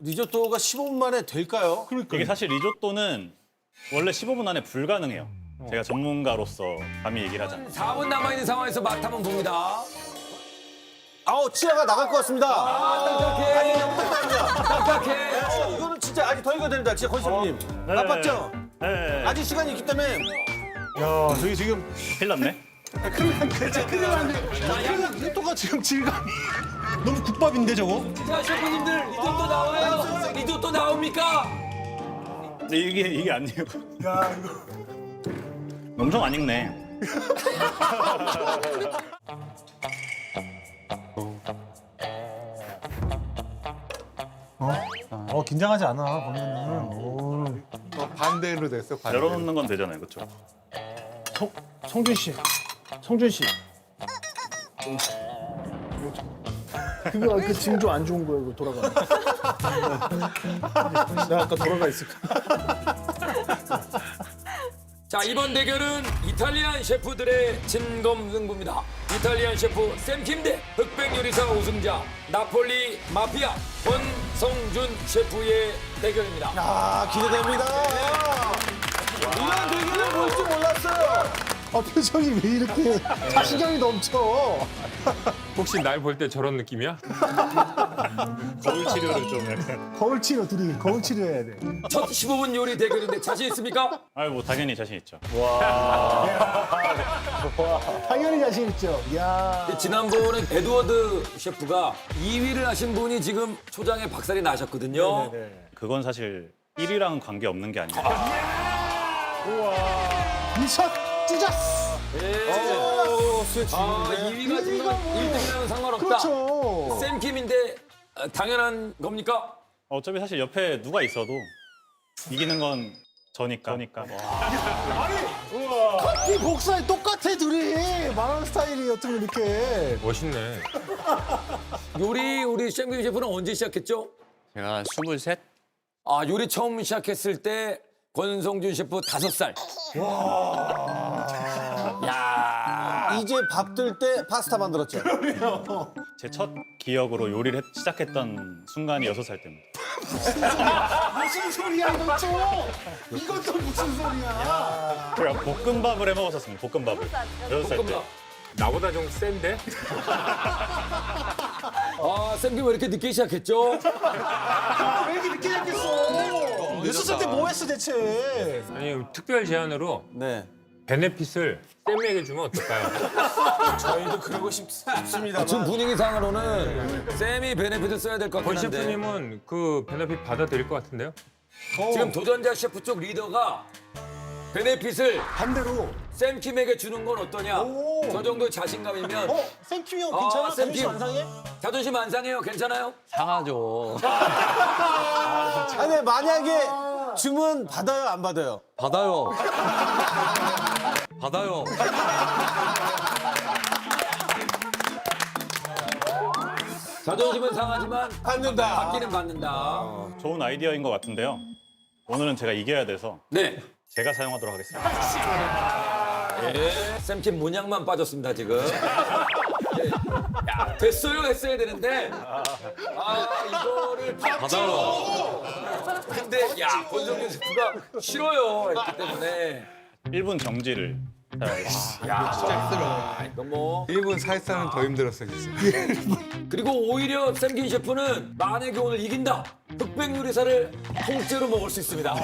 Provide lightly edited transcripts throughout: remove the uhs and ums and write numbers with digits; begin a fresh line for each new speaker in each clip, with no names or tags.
리조또가 15분 만에 될까요?
이게 사실 리조또는 원래 15분 안에 불가능해요. 제가 전문가로서 감히 얘기를 하자면.
4분 남아있는 상황에서 맛 한번 봅니다.
아우 치아가 나갈 것 같습니다.
딱딱해. 딱딱해.
이거는 진짜 아직 더 익어야 됩니다. 진짜 권수님. 나빴죠?
네.
아직 시간이 있기 때문에.
야, 저기 지금
큰일 났네.
큰일 났는데 리조또가 지금 질감이 너무 국밥인데 저거?
자, 셰프님들 리조또 나와요. 리조또 나옵니까?
근데 이게 아니에요.
야, 이거.
엄청 안 익네.
긴장하지 않아 보면은.
반대로 됐어. 반대로.
열어놓는 건 되잖아요, 그렇죠?
성준 씨, 성준 씨. 그거 그 징조 안 좋은 거예요, 이거 돌아가. 내가 아까 돌아가 있을까?
자, 이번 대결은 이탈리안 셰프들의 진검승부입니다. 이탈리안 셰프 샘킴 대 흑백 요리사 우승자 나폴리 마피아 권성준 셰프의 대결입니다.
아 기대됩니다. 이런 대결을 볼 줄 몰랐어요.
표정이 왜 이렇게 자신감이 넘쳐?
혹시 날 볼 때 저런 느낌이야?
거울 치료를 좀 약간.
거울 치료 둘이 거울 치료해야 돼.
첫 15분 요리 대결인데 자신 있습니까?
뭐 당연히 자신 있죠.
당연히 자신 있죠. 야.
지난번에 에드워드 셰프가 2위를 하신 분이 지금 초장에 박살이 나셨거든요.
그건 사실 1위랑은 관계 없는 게 아니에요.
이샷 찢었어.
아, 2위가 지금 1등이랑은 상관없다.
그렇죠.
샘킴인데 당연한 겁니까?
어차피 사실 옆에 누가 있어도 이기는 건 저니까.
이 복사에 똑같아 둘이 말하는 스타일이 어쩌면 이렇게.
멋있네.
요리 우리 샘킴 셰프는 언제 시작했죠?
제가 23?
아, 요리 처음 시작했을 때 권성준 셰프 5살. 야.
이제 밥 들 때 파스타 만들었죠.
제 첫 기억으로 요리를 시작했던 순간이 6살 때입니다.
무슨 소리야 이거 또? 이건 또 무슨 소리야?
제가 볶음밥을 해 먹었었습니다. 볶음밥을. 6살 때.
볶음밥.
나보다 좀 센데?
아, 샘킴 왜 이렇게 늦게 시작했죠?
왜 이렇게 늦게 시작했어? 6살 때 뭐 했어 대체?
아니, 특별 제안으로
네.
베네핏을 쌤에게 주면 어떨까요?
저희도 그러고 싶습니다.
지금 분위기상으로는 쌤이 베네핏을 써야 될 것
권
같긴 한데
셰프님은 그 베네핏 받아들일 것 같은데요?
지금 도전자 셰프 쪽 리더가 베네핏을
반대로.
샘킴에게 주는 건 어떠냐?
오.
저 정도 자신감이면
샘킴이 형 괜찮아?
샘킴.
자존심 안 상해?
자존심 안 상해요? 괜찮아요?
상하죠.
아니 만약에 주문 받아요 안 받아요?
받아요. 받아요.
자존심은 상하지만
받는다.
받기는 받는다.
좋은 아이디어인 것 같은데요. 오늘은 제가 이겨야 돼서
네.
제가 사용하도록 하겠습니다.
예. 샘킴 모양만 빠졌습니다 지금. 예. 야, 됐어요 했어야 되는데 이거를
받아요.
근데 야 권성준 셰프가 싫어요 했기 때문에
1분 정지를 사용하겠습니다.
이거 뭐
1분 살살은 더 힘들었어, 진짜.
그리고 오히려 샘킴 셰프는 만약에 오늘 이긴다 흑백 요리사를 통째로 먹을 수 있습니다.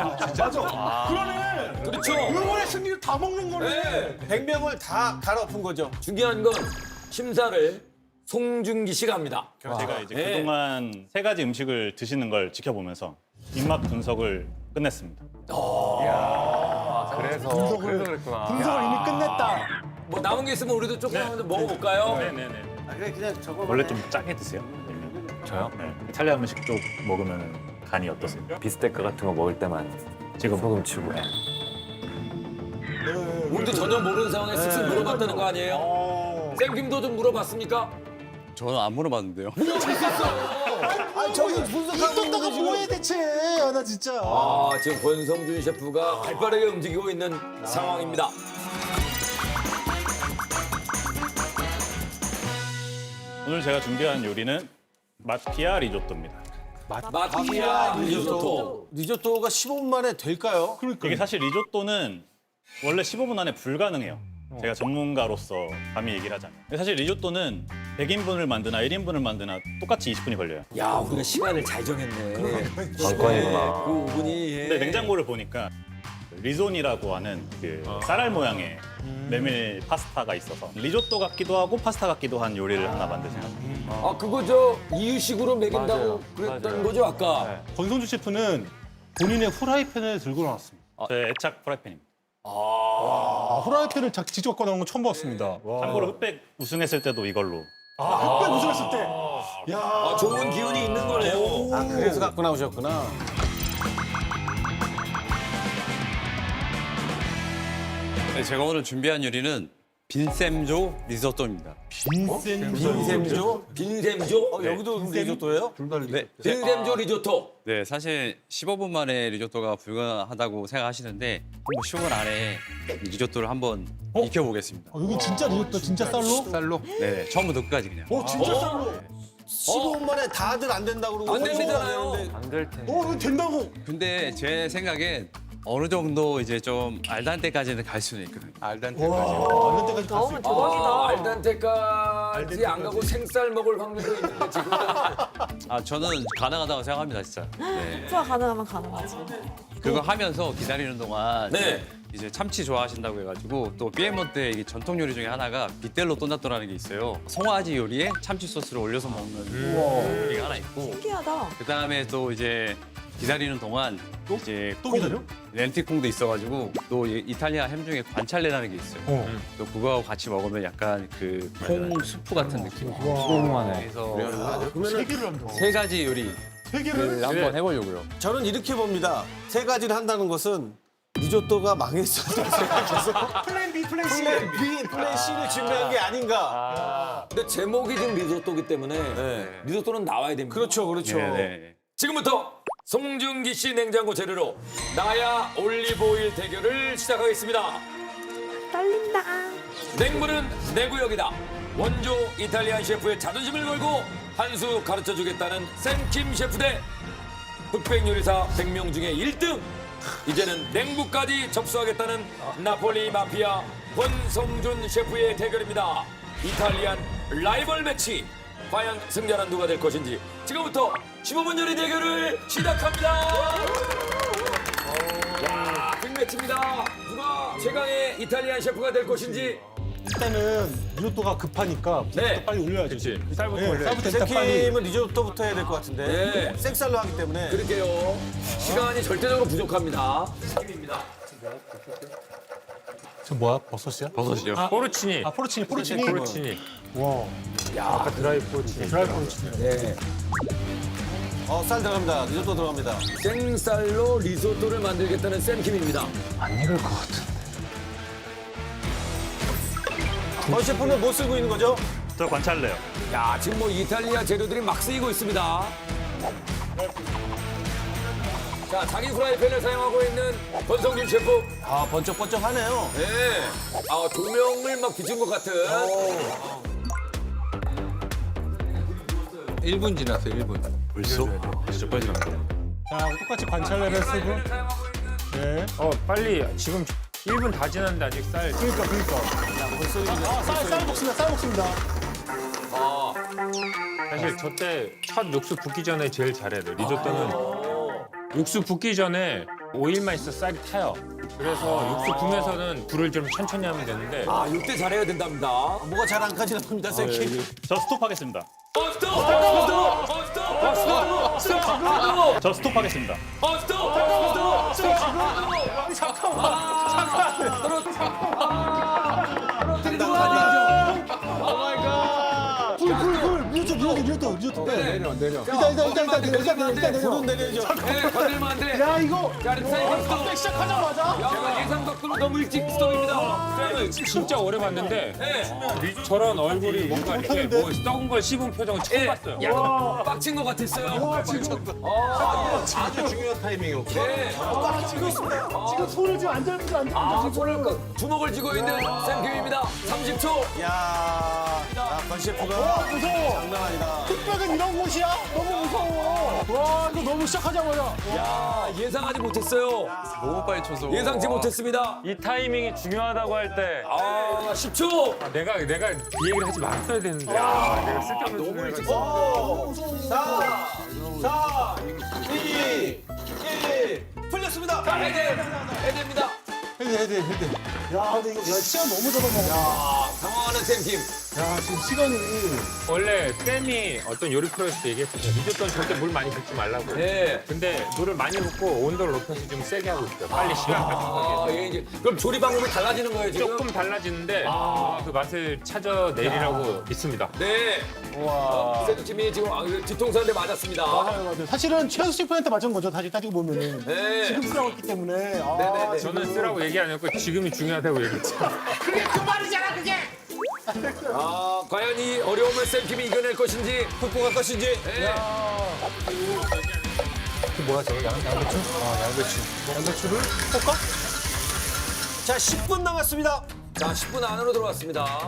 그러네.
그렇죠.
이번에 승리를 다 먹는 거네.
네.
100명을 다 갈아엎은 거죠.
중요한 건 심사를 송중기 씨가 합니다.
제가 이제
네.
그동안 3가지 음식을 드시는 걸 지켜보면서 입맛 분석을 끝냈습니다.
그래서 그랬구나.
분석을 이미 끝냈다.
뭐 남은 게 있으면 우리도 조금 한번 먹어볼까요?
네네네.
그냥 저거
원래 좀 짜게 드세요.
저요?
네. 이탈리아 음식 쪽 먹으면 간이 어떠세요?
비스테크 같은 거 먹을 때만
지금
소금 치고.
우리도 전혀 모르는 상황에 쓱쓱 물어봤다는 거 아니에요? 쌤김도 좀 물어봤습니까?
저는 안 물어봤는데요.
아니 저기 분석하고 있는
이또다가
게 지금
뭐해 대체? 나 진짜.
지금 권성준 셰프가 발빠르게 움직이고 있는 상황입니다.
오늘 제가 준비한 요리는 마피아 리조또입니다.
마피아 리조또.
리조또가 15분 만에 될까요?
이게 사실 리조또는 원래 15분 안에 불가능해요. 제가 전문가로서 감히 얘기를 하자면. 사실 리조또는 100인분을 만드나 1인분을 만드나 똑같이 20분이 걸려요.
야, 우리가 시간을 잘 정했네.
관건이구나.
그 5분이.
근데 냉장고를 보니까 리존이라고 하는 그 쌀알 모양의 메밀 파스타가 있어서 리조또 같기도 하고 파스타 같기도 한 요리를 하나 만드신 것 같아요.
아, 그거 저 이유식으로 먹인다고
맞아요.
그랬던
맞아요.
거죠, 아까?
권성주 셰프는 본인의 후라이팬을 들고 나왔습니다.
제 애착 프라이팬입니다.
후라이팬을 직접 갖고 나온 건 처음 봤습니다.
참고로 흑백 우승했을 때도 이걸로.
흑백 우승했을 때. 야.
아, 좋은 기운이 있는 거네요.
아, 그래서 갖고 나오셨구나.
네, 제가 오늘 준비한 요리는 빈셈조 리조또입니다.
빈셈조?
빈셈조?
여기도 리조또예요?
네.
빈셈조 리조또.
네, 사실 15분 만에 리조또가 불가하다고 생각하시는데 뭐 15분 안에 리조또를 한번 익혀보겠습니다.
여기 진짜 리조또 진짜 쌀로?
쌀로? 네, 처음부터 끝까지 그냥.
진짜 쌀로.
15분 만에 다들 안 된다고 그러고.
안 되시잖아요.
안 될 텐데.
이거 된다고.
근데 제 생각엔 어느 정도 이제 좀 알단테까지는 갈 수는 있거든요. 알단테까지.
만날 때까지 갈수 있다.
아, 알단테까지 안 가고 생쌀 먹을 확률도 있는데 지금.
아, 저는 가능하다고 생각합니다, 진짜. 네.
투하 가능하면 가능하지.
그거 하면서 기다리는 동안
네.
이제 참치 좋아하신다고 해가지고 또 피에몬트의 이 전통 요리 중에 하나가 비텔로 또나또라는 게 있어요. 송아지 요리에 참치 소스를 올려서 먹는 요리가 하나 있고
신기하다.
그다음에 또 이제 기다리는 동안 이제
또 기다려?
렌티콩도 있어가지고 또 이탈리아 햄 중에 관찰레라는 게 있어요. 또 그거하고 같이 먹으면 약간 그 콩 수프 같은 느낌.
15분 만에.
그래서
세 개를 한다고.
세 가지 요리를
세 개를?
한번 해보려고요.
저는 이렇게 봅니다. 세 가지를 한다는 것은 리조또가 망했었다고 생각해서
플랜 B, 플랜 C.
플랜 B, 플랜 C를 준비한 게 아닌가.
근데 제목이 지금 리조또기 때문에
네.
리조또는 나와야 됩니다.
그렇죠, 그렇죠.
네.
지금부터 송중기 씨 냉장고 재료로 나야 올리브오일 대결을 시작하겠습니다.
떨린다.
냉물은 내 구역이다. 원조 이탈리안 셰프의 자존심을 걸고 한 수 가르쳐주겠다는 샘킴 셰프 대 흑백 요리사 100명 중에 1등. 이제는 냉부까지 접수하겠다는 나폴리 마피아 권성준 셰프의 대결입니다. 이탈리안 라이벌 매치. 과연 승자는 누가 될 것인지 지금부터 15분 요리 대결을 시작합니다. 야, 빅매치입니다. 누가 최강의 이탈리안 셰프가 될 것인지.
일단은 리조또가 급하니까
네.
빨리 올려야지.
쌀부터
네,
올려야지.
쌀부터 일단 빨리.
샘킴은 리조또부터 해야 될 것 같은데.
네.
생쌀로 하기 때문에.
그럴게요. 시간이 절대적으로 부족합니다. 샘킴입니다.
저 뭐야? 버섯이야?
버섯이요.
포르치니.
아, 포르치니, 포르치니.
포르치니.
와.
아까 드라이 포르치니.
드라이 포르치니.
네.
쌀 들어갑니다. 리조또 들어갑니다.
생쌀로 리조또를 만들겠다는 샘킴입니다.
안 익을 것 같은데.
권 셰프는 뭐 쓰고 있는 거죠?
저 관찰래요.
야, 지금 뭐 이탈리아 재료들이 막 쓰이고 있습니다. 자, 자기 프라이팬을 사용하고 있는 권성준 셰프.
아, 번쩍번쩍하네요.
네. 아, 조명을 막 비춘 것 같은.
1분 지났어요, 1분. 벌써? 진짜 빨리 지났다.
자, 똑같이 관찰레를 쓰고. 네.
빨리 지금 1분 다 지났는데 아직 쌀.
그러니까. 쌀 먹습니다, 쌀 먹습니다.
사실 저 때 첫 육수 붓기 전에 제일 잘해야 돼. 리조또는 육수 붓기 전에 오일만 있어 쌀이 타요. 그래서 육수 부면서는 불을 좀 천천히 하면 되는데
아, 이때 잘해야 된답니다.
뭐가 잘 안 가지나 봅니다, 샘킴.
저 스톱하겠습니다.
스톱! 스톱! 스톱!
저 스톱하겠습니다.
스톱! 스톱!
리조또. 내려.
불은 내려야죠.
네, 건들면 안 돼.
야, 이거.
자, 사이버 스톱.
시작하자마자.
야, 예상 각도로 너무 일찍 스톱입니다.
진짜 오래 봤는데
네.
저런 얼굴이 뭔가 이렇게 뭐 썩은 걸 씹은 표정을 처음 봤어요.
약간 빡친 것 같았어요.
아주 중요한 타이밍이었고.
네.
지금 손을 지금 안 잡는지 안 잡는지.
아, 손을 주먹을 쥐고 있는 샘킴입니다. 30초.
야, 권 셰프가
무서워.
장난 아니다.
흑백은 이런 곳이야? 너무 무서워. 와, 이거 너무 시작하자마자.
야, 예상하지 못했어요.
너무 빨리 쳐서.
예상치 못했습니다.
이 타이밍이 중요하다고 할 때.
아, 10초.
내가 이 얘기를 하지 말았어야 되는데. 내가 쓸데없는
너무 일찍
오, 4, 4, 2, 1. 풀렸습니다.
자, 해제입니다.
헤드. 야, 근데 이거 시간 너무 잡아먹어.
아, 당황하는 샘킴.
야, 지금 시간이.
원래 쌤이 어떤 요리 프로에서 얘기했어요. 리조또는 절대 물 많이 붓지 말라고.
네.
근데 물을 많이 붓고 온도를 높여서 좀 세게 하고 있어요. 빨리 시간
아,
가져가게.
예, 이제 그럼 조리 방법이 달라지는 거예요, 지금?
조금 달라지는데 그 맛을 찾아내리라고 있습니다.
네.
우와.
샘킴이 지금 뒤통수한테 맞았습니다.
맞아요. 사실은 최현수 셰프한테 맞은 거죠. 다시 따지고 보면은.
네.
지금 쓰라고 했기 때문에. 아,
네네네.
저는 쓰라고 얘기 안 했고 지금이 중요하다고 얘기했죠.
아, 과연 이 어려움을 샘킴이 이겨낼 것인지
극복할 것인지.
네.
양배추를 볶아?
자, 10분 남았습니다.
자, 10분 안으로 들어왔습니다.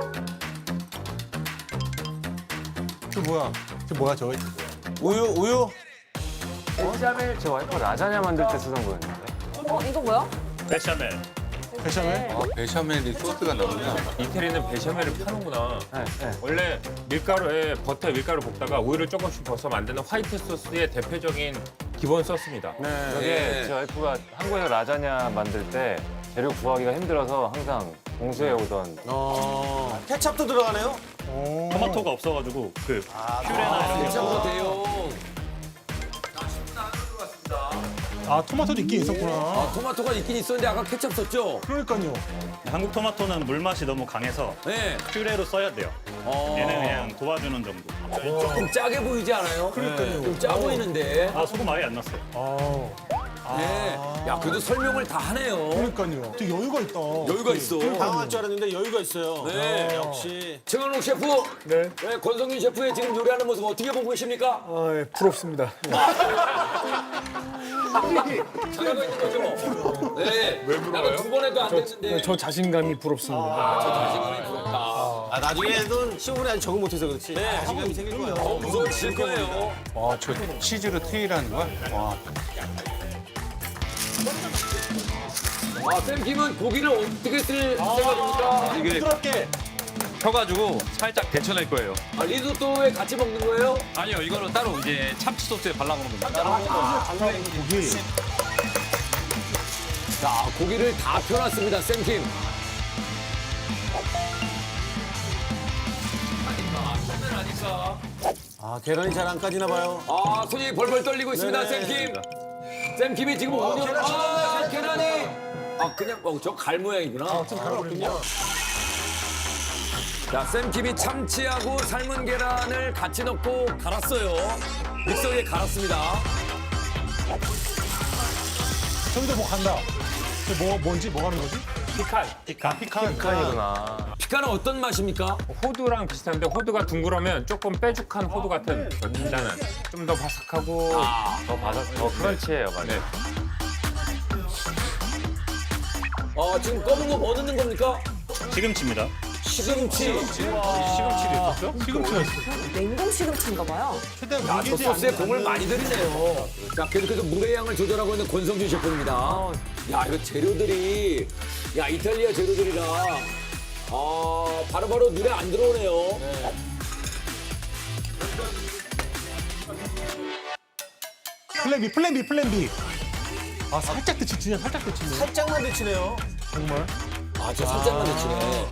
저 뭐야, 저거?
우유.
베샤멜 제 와이프 라자냐 만들 때 쓰던 거였는데.
이거 뭐야?
베샤멜.
베샤멜?
베샤멜이 소스가 나오냐?
이태리는 베샤멜을 파는구나.
네.
원래 밀가루에 버터에 밀가루 볶다가 우유를 조금씩 벗어 만드는 화이트 소스의 대표적인 기본 소스입니다.
네. 저게
네.
제 와이프가 한국에서 라자냐 만들 때 재료 구하기가 힘들어서 항상 공수해 오던.
케찹도 들어가네요.
토마토가 없어가지고 그 퓨레나 이런 게
괜찮아도 돼요.
아, 토마토도 있긴 있었구나.
아, 토마토가 있긴 있었는데 아까 케첩 썼죠?
그러니까요.
한국 토마토는 물맛이 너무 강해서
네.
퓨레로 써야 돼요. 얘는 그냥 도와주는 정도.
조금 짜게 보이지 않아요? 그러니까요. 좀 짜 보이는데.
아, 소금 아예 안 넣었어요.
네. 야, 그래도 설명을 다 하네요.
그러니까요. 되게 여유가 있다.
여유가 있어.
당황할 줄 알았는데 여유가 있어요.
네.
역시.
최강록 셰프. 네. 권성균 셰프의 지금 요리하는 모습 어떻게 보고 계십니까?
부럽습니다.
잘하고 있는 거죠? 네. 왜 물어요? 두 번 해도 안 됐는데.
저 자신감이 부럽습니다.
자신감이 부럽다.
아, 나중에는 시험을 아직 적응 못해서 그렇지.
네.
자신감이 생길 거야.
더 무서워질 거예요.
와, 저 치즈로 트이라는 거야? 와.
아, 쌤킴은 고기를 어떻게 쓸 생각입니까?
이게
부드럽게.
펴가지고 살짝 데쳐낼 거예요.
아, 리조또에 같이 먹는 거예요?
아니요, 이거는 따로 이제 참치 소스에 발라먹는 겁니다.
고기.
자, 고기를 다 펴놨습니다, 쌤킴.
아, 계란이 잘 안 까지나 봐요.
아, 손이 벌벌 떨리고 있습니다,
네네.
쌤킴. 쌤킴이 지금 오늘 계란이. 아, 그냥 저 갈 모양이구나. 좀 갈았군요. 자, 쌤킴이 참치하고 삶은 계란을 같이 넣고 갈았어요. 믹서기에 갈았습니다.
저기도 뭐 간다. 뭔지 뭐 가는 거지?
피칸이구나.
피카는 어떤 맛입니까?
호두랑 비슷한데 호두가 둥그러면 조금 뾰족한 호두 같은 단단한 좀 더 바삭하고
더 바삭, 더 크런치해요, 맞아요.
네.
지금 검은 거 뭐 넣는 겁니까?
시금치입니다.
시금치.
시금치도 있었어?
시금치가 있어.
냉동 시금치인가 봐요.
최대한
야, 저 소스에 공을 많이 들이네요. 자, 계속해서 물의 양을 조절하고 있는 권성준 셰프입니다. 야, 이거 재료들이, 야, 이탈리아 재료들이라, 바로바로 눈에 안 들어오네요.
플랜 B. 아, 살짝 데치, 진짜 살짝 데치네.
살짝만 데치네요.
정말.
아, 저 살짝만 데치네.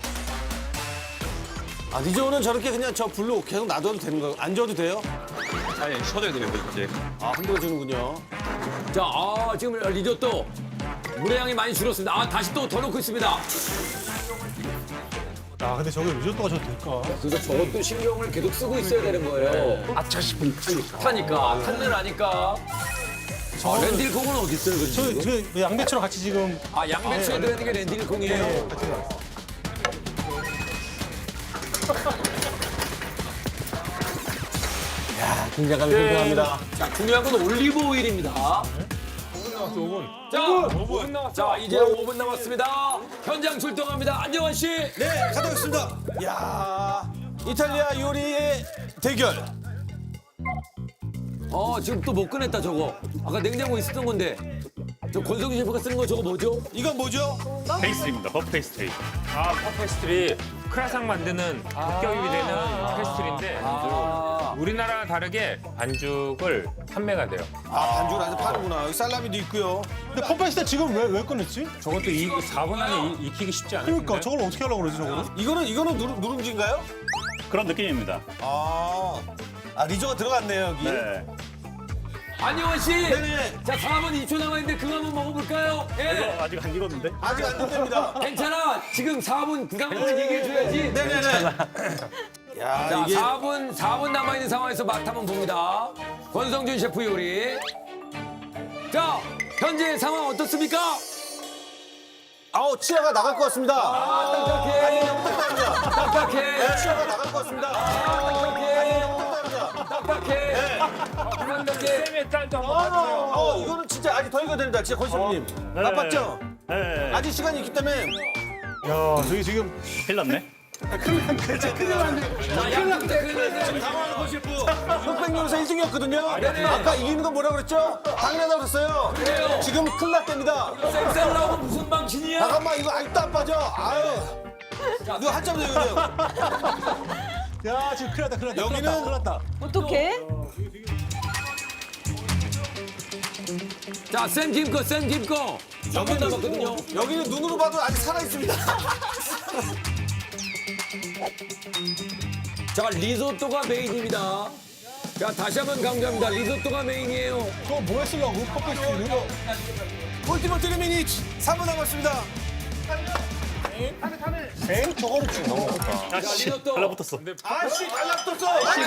아, 니조는 저렇게 그냥 저 불로 계속 놔둬도 되는 거예요? 안 줘도 돼요?
아니, 쳐줘야 돼요, 이제.
아, 흔들어주는군요.
자, 지금 리조또. 물의 양이 많이 줄었습니다. 다시 또 더 넣고 있습니다.
아, 근데 저게 리조또가 저도 될까?
그래서 저것도 신경을 계속 쓰고 있어야 되는 거예요.
아차 싶으면 타니까.
탄을 아니까. 렌딜콩은 어디 있어요, 그지?
저 양배추랑 같이 지금.
양배추에 들어있는 게 렌딜콩이에요.
긴장감이 풍부합니다.
자, 중요한 건 올리브 오일입니다. 5분 남았어. 자, 이제 5분 남았습니다. 현장 출동합니다. 안정환 씨.
네, 가져오겠습니다. 이야, 이탈리아 요리의 대결.
지금 또 못 꺼냈다 저거. 아까 냉장고에 있었던 건데. 저 권성준 셰프가 쓰는 거 저거 뭐죠?
이건 뭐죠?
페이스트리입니다. 퍼프 페이스트리.
퍼페스트리 크라상 만드는 합격이 되는 페스트리인데 우리나라와 다르게 반죽을 판매가 돼요.
반죽을 아직 파는구나. 여기 살라미도 있고요.
근데 펌페스트 지금 왜 꺼냈지?
저것도 4분 안에 익히기 쉽지 않아요.
그러니까 저걸 어떻게 하려고 그러지 저거를?
이거는 누룽지인가요?
그런 느낌입니다.
리조가 들어갔네요 여기.
네.
안녕원 씨.
네네.
자 4분 2초 남았는데 그거 한번 먹어볼까요? 예.
이거 아직 안 익었는데?
아직 안 된답니다.
괜찮아. 지금 4분 그 상황을 얘기해줘야지.
네네네. 야
자,
이게
4분 남아있는 상황에서 맛 한번 봅니다. 권성준 셰프 요리. 자, 현재 상황 어떻습니까?
치아가 나갈 것 같습니다.
딱딱해. 딱딱해.
치아가 나갈 것 같습니다.
딱딱해. 딱딱해.
쌤의 딸도 한번 봐주세요.
이거는 진짜 아직 더 익어야 됩니다. 진짜 권셰프님. 나빴죠?
네.
아직 시간이 있기 때문에
야 저기 지금
큰일 났네.
지금 당황하는 권셰프. 흑백요리사 1등이었거든요.
네네.
아까 이기는 건 뭐라 그랬죠? 당연하다고 그랬어요.
그래요.
지금 큰일 났답니다.
쌩쌩 나오고 무슨 방신이야?
잠깐만 이거 아직도 안 빠져. 아유. 이거 한참 더 익어야 돼요.
야 지금 큰일 났다
여기는
큰일 났다.
어떡해?
자, 쌤김 거. 3분 남았거든요.
여기는 눈으로 봐도 아직 살아 있습니다.
자, 리조또가 메인입니다. 자, 다시 한번 강조합니다. 리조또가 메인이에요.
저거 뭐 했으려고 펌페스트를?
울티머트 미니트 3분 남았습니다.
엥? 저거를 지금 넘어갔다.
아씨,
리조또.
달라붙었어.
아이씨 달라붙었어.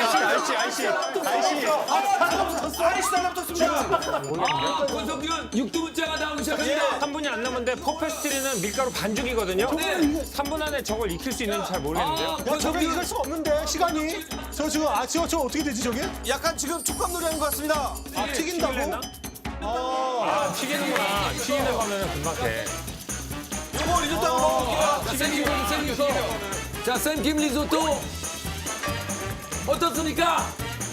아이씨 달라붙었습니다.
권성준 육두문자가 나오기 시작합니다.
3분이 안 남았는데 퍼페스트리는 밀가루 반죽이거든요.
네.
3분 안에 저걸 익힐 수 있는지 잘 모르겠는데요.
야 저게 익을 수가 없는데 시간이. 저 지금 저거 어떻게 되지 저게?
약간 지금 촉감놀이 하는 것 같습니다.
튀긴다고?
튀기는구나. 튀기는 거면 금방 돼.
요거 리조또 한번 먹어볼게요.
쌤김 거. 자, 쌤김 리조또. 어떻습니까?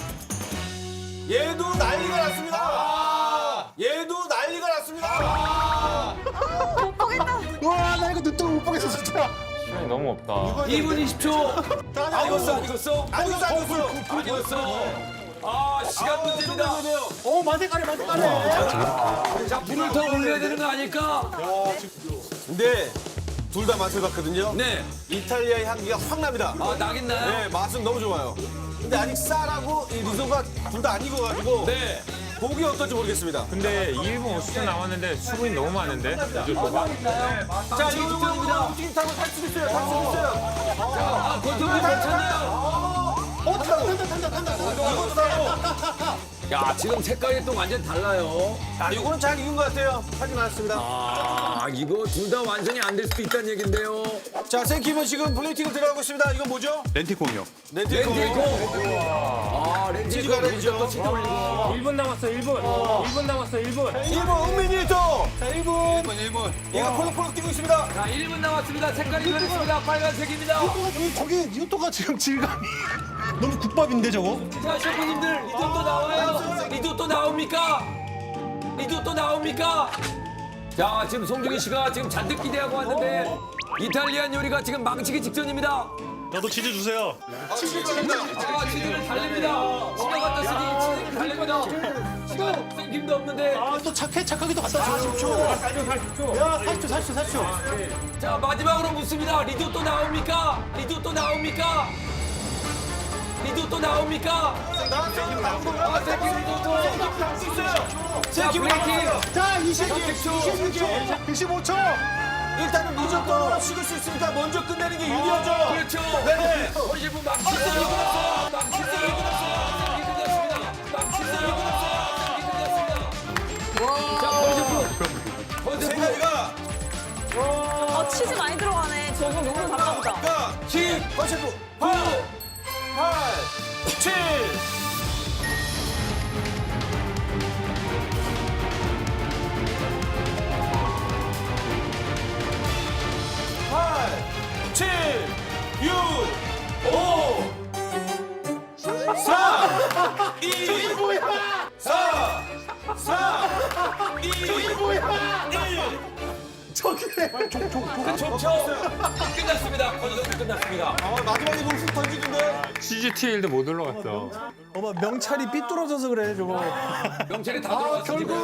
얘도 난리가 났습니다. 얘도 난리가 났습니다.
와나 이거 눈뜨고 못 보겠어 진짜.
시간이 너무 없다.
2분 20초. 안 익었어? 안 익었어?
안 익었어.
안 익었어. 시간 문제입니다.
만색깔이.
자, 불을 더 올려야 되는 거 아닐까?
근데 둘 다 맛을 봤거든요.
네.
이탈리아의 향기가 확 납니다.
나긴 나요?
네, 맛은 너무 좋아요. 근데 아직 쌀하고 이 리조가 둘 다 안 익어가지고
네.
보기 어떨지 모르겠습니다.
근데 2분 50초 남았는데 수분이 너무 많은데 리조또가.
자, 이거 움직임 타고 탈 수도 있어요. 탈 수도 있어요.
권성준 괜찮나요?
탄다. 이것도 타고.
야, 지금 색깔이 또 완전 달라요.
이거는 잘 익은 것 같아요. 하진 않았습니다.
이거 둘 다 완전히 안 될 수도 있다는 얘긴데요.
자, 생김은 지금 플레이팅을 들어가고 있습니다. 이건 뭐죠?
렌티콩이요.
렌틸콩.
렌틸콩.
치즈가 렌죠.
1분 남았어 1분. 1분 남았어 1분.
1분 은민이 또. 자, 1분. 이거 폴록폴록 뛰고 있습니다.
자, 1분 남았습니다. 색깔이 변했습니다. 빨간색입니다.
저게 리조또가 지금 질감이 너무 국밥인데 저거?
자, 셰프님들, 리조또 나와요. 리조또 나옵니까? 리조또 나옵니까? 자, 지금 송중기 씨가 지금 잔뜩 기대하고 왔는데 이탈리안 요리가 지금 망치기 직전입니다.
저도 치즈 주세요.
치즈를 달립니다. 치가 갖다 쓰니 치즈를 달립니다. 지금 생김도 없는데.
또 착하기도 갖다 줘. 40초. 야 40초.
자, 마지막으로 묻습니다. 리조또 나옵니까? 리조또 나옵니까? 리조또 나옵니까? 생김 리조또. 자, 플레이팅.
자 26초. 25초.
일단은 리조또 식을 수 있으니까 먼저 끝내는 게 유리하죠.
그렇죠.
네.
우리 셰프 망치세요. 망치세요. 자, 우리 셰프.
세 가지가
치즈 많이 들어가네. 저거 너무 달라보다.
10, 권셰프 9, 8, 7. 팔, 7, 6, 5, 4, 2,
저게.
좋죠. 끝났습니다. 권선수 끝났습니다.
마지막에 무슨 던지는데?
CGTL도 못 올라갔어.
어머 명찰이 삐뚤어져서 그래 저거.
명찰이 다 들어갔어 지금.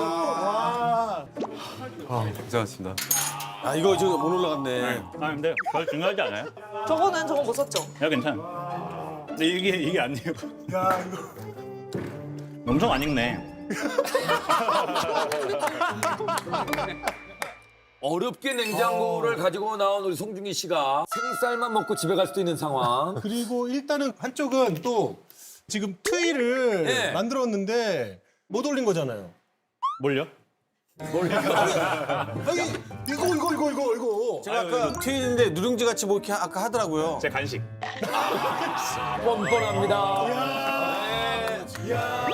고생하셨습니다.
아 이거 지금 못 올라갔네.
아 근데 별 중요하지 않아요?
저거는 저거 못 썼죠?
야 괜찮아. 근데 이게 아니에요.
야 이거.
엄청 안 익네.
어렵게 냉장고를 가지고 나온 우리 송중기 씨가 생쌀만 먹고 집에 갈 수도 있는 상황.
그리고 일단은 한쪽은 또 지금 트위를
네.
만들었는데 못 올린 거잖아요.
뭘요?
아니 이거.
제가 아까 튀는데 누룽지 같이 뭐 이렇게 아까 하더라고요.
제 간식.
뻔뻔합니다. 네.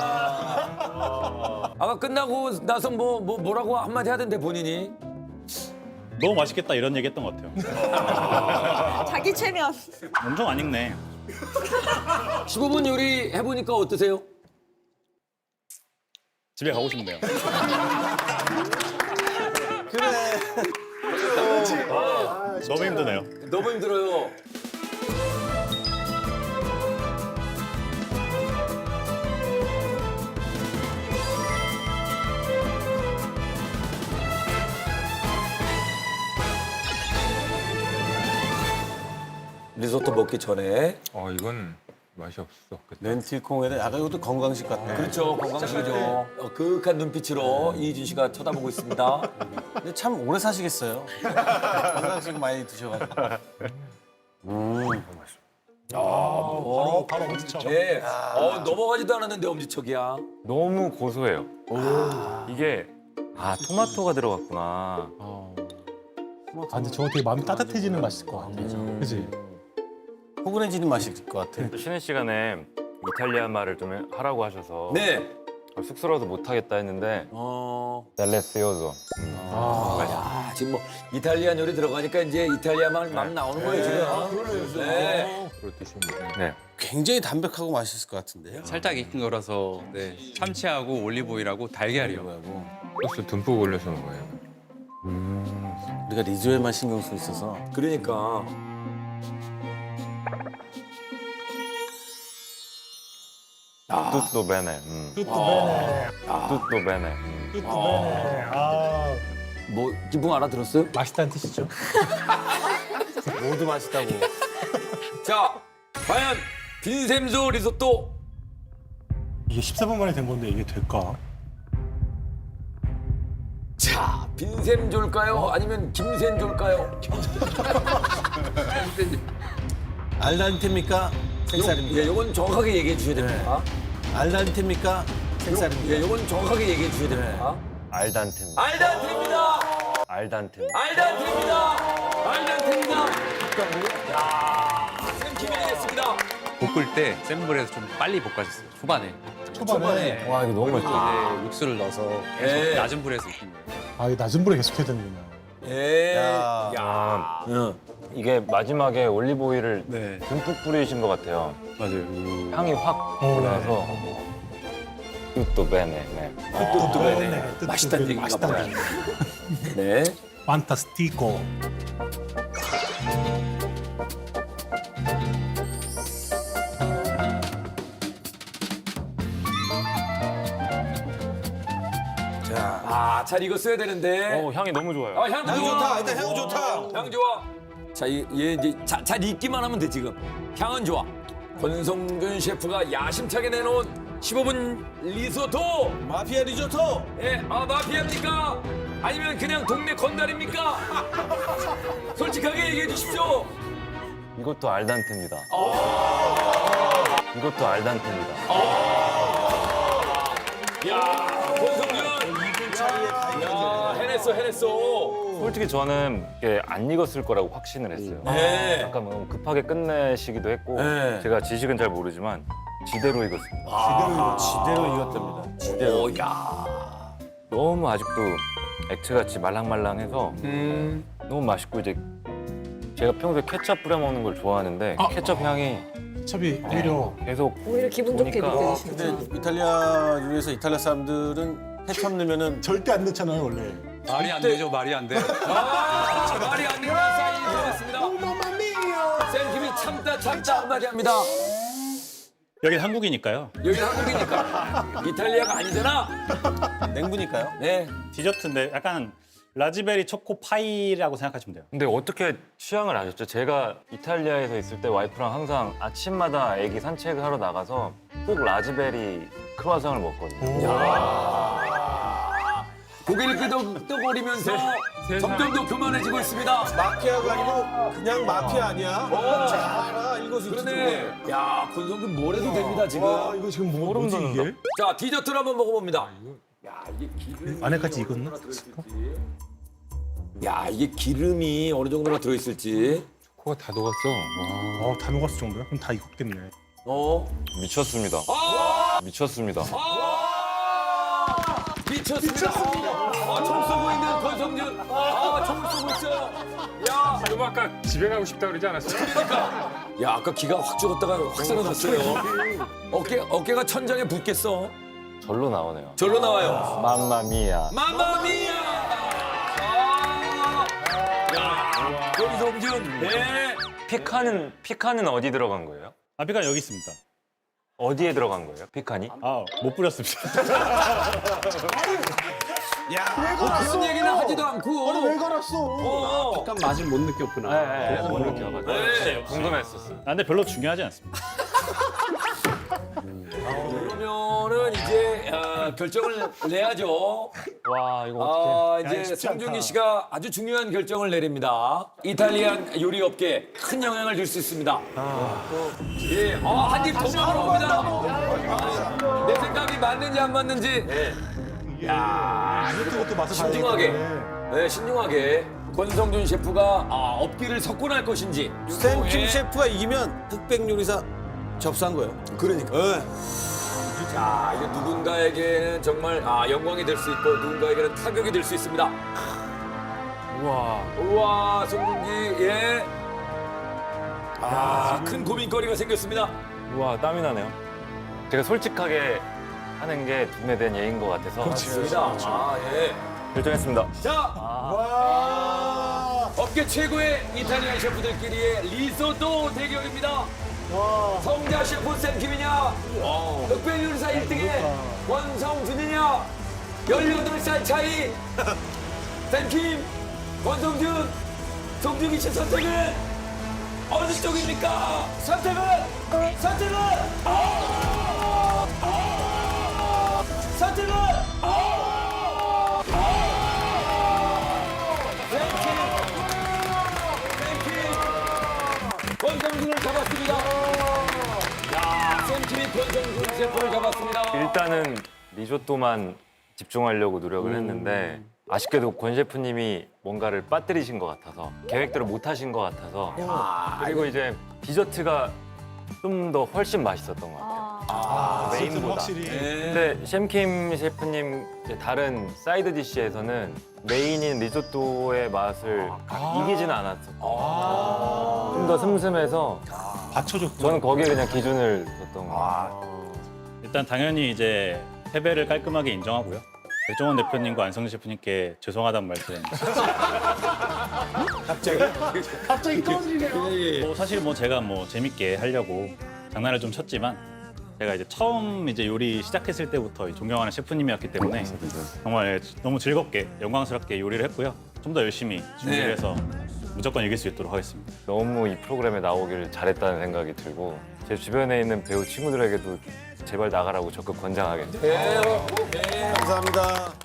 아까 끝나고 나서 뭐라고 한마디 하던데 본인이.
너무 맛있겠다 이런 얘기 했던 것 같아요.
자기 최면.
엄청 안 익네.
15분 요리 해보니까 어떠세요?
집에 가고 싶네요.
그래.
너무 힘드네요.
너무 힘들어요. 리조또 먹기 전에.
이건 맛이 없어.
렌틸콩에다 약간 이것도 건강식 같아.
그렇죠. 건강식이죠. 그윽한 눈빛으로 이희준 씨가 쳐다보고 있습니다.
근데 참 오래 사시겠어요. 건강식 많이 드셔가지고.
바로 엄지척.
예. 넘어가지도 않았는데 엄지척이야.
너무 고소해요. 이게 토마토가 들어갔구나.
아 근데 저거 되게 마음이 따뜻해지는 맛일 것 같아. 그지?
포근해지는 맛일 것 같아.
또 쉬는 시간에 이탈리아 말을 좀 하라고 하셔서
네.
쑥스러워서 못 하겠다 했는데 델레시오소.
지금 뭐 이탈리안 요리 들어가니까 이제 이탈리아만 막 나오는 거예요 지금. 네.
네.
굉장히 담백하고 맛있을 것 같은데요.
살짝 익힌 거라서 네. 참치하고 올리브오일하고 달걀이요.
소스 듬뿍 올려서 먹어요.
우리가 리조에만 신경 쓰고 있어서.
그러니까.
뚜또 베네. 뚜또 베네.
아
뭐 기분 알아들었어요?
맛있다는 뜻이죠.
모두 맛있다고.
자, 과연 빈샘조 리조또
이게 14분 만에 된 건데 이게 될까?
자, 빈샘조일까요? 아니면 김샘조일까요?
알단테입니까? 생쌀입니까?
예, 요건 정확하게 얘기해 주셔야 됩니다.
알단테입니까? 생쌀입니까?
예, 요건 정확하게 얘기해 주셔야 됩니다.
알단테입니다.
알단테입니다.
알단테입니다.
알단테입니다. 알단테입니다. 야, 샘킴이 이겼습니다.
볶을 때 센 불에서 좀 빨리 볶아줬어요. 초반에.
와 이거 너무 맛있다.
이제 육수를 넣어서 계속
예.
낮은 불에서 익힌 거예요.
아 이거 낮은 불에 계속 해야 되는구나.
예.
야.
이게 마지막에 올리브 오일을
네,
듬뿍 뿌리신 것 같아요.
맞아요.
향이 확 올라서 뚜또 베네. 네.
네. 맛있다는 얘기인가 봐요. 네.
판타스티코.
잘 익었어야 되는데.
향이 너무 좋아요.
향
향
좋아.
좋다. 일단 향 좋다.
향 좋아. 자, 얘 이제 잘 익기만 하면 돼 지금. 향은 좋아. 권성균 셰프가 야심차게 내놓은 15분 리조또.
마피아 리조또.
예, 마피아입니까? 아니면 그냥 동네 건달입니까? 솔직하게 얘기해 주십시오.
이것도 알단테입니다. 이것도 알단테입니다.
야, 권성균. 야, 해냈어.
솔직히 저는 이게 안 익었을 거라고 확신을 했어요.
네.
약간 너무 급하게 끝내시기도 했고
네.
제가 지식은 잘 모르지만 지대로 익었습니다.
지대로 익었답니다. 지대로.
오, 야.
너무 아직도 액체같이 말랑말랑해서 너무 맛있고 이제 제가 평소에 케첩 뿌려 먹는 걸 좋아하는데 케첩 향이
케첩이 오히려
계속
오히려 기분 좋게
보니까
느껴지시죠.
근데 이탈리아 중에서 이탈리아 사람들은 케첩 넣으면은
절대 안 넣잖아요 원래.
말이 안 되죠, 말이 안 돼.
말이 안 되는 사인이 들어왔습니다. 쌤킴이 참다 한마디 합니다.
여긴 한국이니까요.
여기 한국이니까. 이탈리아가 아니잖아.
냉부니까요.
네.
디저트인데 약간 라즈베리 초코 파이라고 생각하시면 돼요.
근데 어떻게 취향을 아셨죠? 제가 이탈리아에서 있을 때 와이프랑 항상 아침마다 애기 산책을 하러 나가서 꼭 라즈베리 크루아상을 먹거든요.
고개를 끄덕거리면서 점점 더 교만해지고 있습니다.
마피아가 아니고 그냥 마피아 아니야? 잘 알아. 이것이
그러네. 야, 권성준 뭘 해도 됩니다, 지금.
이거 지금 뭐지 이게?
자, 디저트를 한번 먹어봅니다. 야, 이게 기름이
안에까지 익었나?
야, 이게 기름이 어느 정도나 들어있을지.
코가 다 녹았어. 와.
다 녹았을 정도야? 그럼 다 익었겠네.
미쳤습니다. 미쳤습니다.
미쳤습니다. 총 쏘고 있는 권성준. 총 쏘고 있어요. 야,
지금 아까 집에 가고 싶다 그러지 않았어요?
야, 아까 기가 확 죽었다가 확 살아났어요. 어깨가 천장에 붙겠어.
절로 나오네요.
절로 나와요.
맘마미야.
마마미야! 야, 권성준. 네.
피칸은 어디 들어간 거예요?
아피가 여기 있습니다.
어디에 들어간 거예요? 피칸이?
못 뿌렸습니다.
그런 얘기는 하지도 않고.
왜 갈았어?
약간 맛을 못 느꼈구나.
네, 못 느껴가지고.
네.
궁금했었어요.
근데 별로 중요하지 않습니다.
그러면은 이제 결정을 내야죠.
와, 이거
이제 송중기 씨가 아주 중요한 결정을 내립니다. 이탈리안 요리 업계에 큰 영향을 줄 수 있습니다. 예, 한 입 더 먹어봅니다. 내 생각이 맞는지 안 맞는지
이것도 맛을
신중하게,
봐야겠네.
네, 신중하게 권성준 셰프가 업기를 석권할 것인지.
샘킴 셰프가 이기면 흑백 요리사 접수한 거예요.
그러니까. 자, 이게 누군가에게는 정말 영광이 될 수 있고 누군가에게는 타격이 될 수 있습니다. 우와, 송중기, 예. 큰 고민거리가 생겼습니다.
우와, 땀이 나네요. 제가 솔직하게 하는 게 돈에 대한 예인 것 같아서
좋습니다. 예.
결정했습니다.
자, 업계 최고의 이탈리안 셰프들끼리의 리소또 대결입니다. 성자 셰프 샘킴이냐, 흑백 요리사 1등의 권성준이냐, 18살 차이 샘킴, 권성준, 송중기 씨 선택은 어느 쪽입니까? 선택은 선택은 권성준을 잡았습니다. 야, 샘킴이 권성준 셰프를 잡았습니다.
일단은 리조또만 집중하려고 노력을 했는데 아쉽게도 권 셰프님이 뭔가를 빠뜨리신 것 같아서 계획대로 못 하신 것 같아서 그리고 이제 디저트가 좀 더 훨씬 맛있었던 것 같아요. 메인보다.
확실히.
근데 샘킴 셰프님 이제 다른 사이드 디시에서는 메인인 리조또의 맛을 이기지는 않았어요. 좀 더 슴슴해서
받쳐줬고.
저는 거기에 그냥 기준을 뒀던 것 같아요.
일단 당연히 이제 패배를 깔끔하게 인정하고요. 백종원 대표님과 안성재 셰프님께 죄송하다는 말씀.
갑자기 꺼지네요.
사실 제가 재밌게 하려고 장난을 좀 쳤지만 제가 이제 처음 이제 요리 시작했을 때부터 존경하는 셰프님이었기 때문에 정말 너무 즐겁게 영광스럽게 요리를 했고요. 좀 더 열심히 준비를 해서 무조건 이길 수 있도록 하겠습니다.
너무 이 프로그램에 나오기를 잘했다는 생각이 들고 제 주변에 있는 배우 친구들에게도 제발 나가라고 적극 권장하겠습니다.
네.
감사합니다.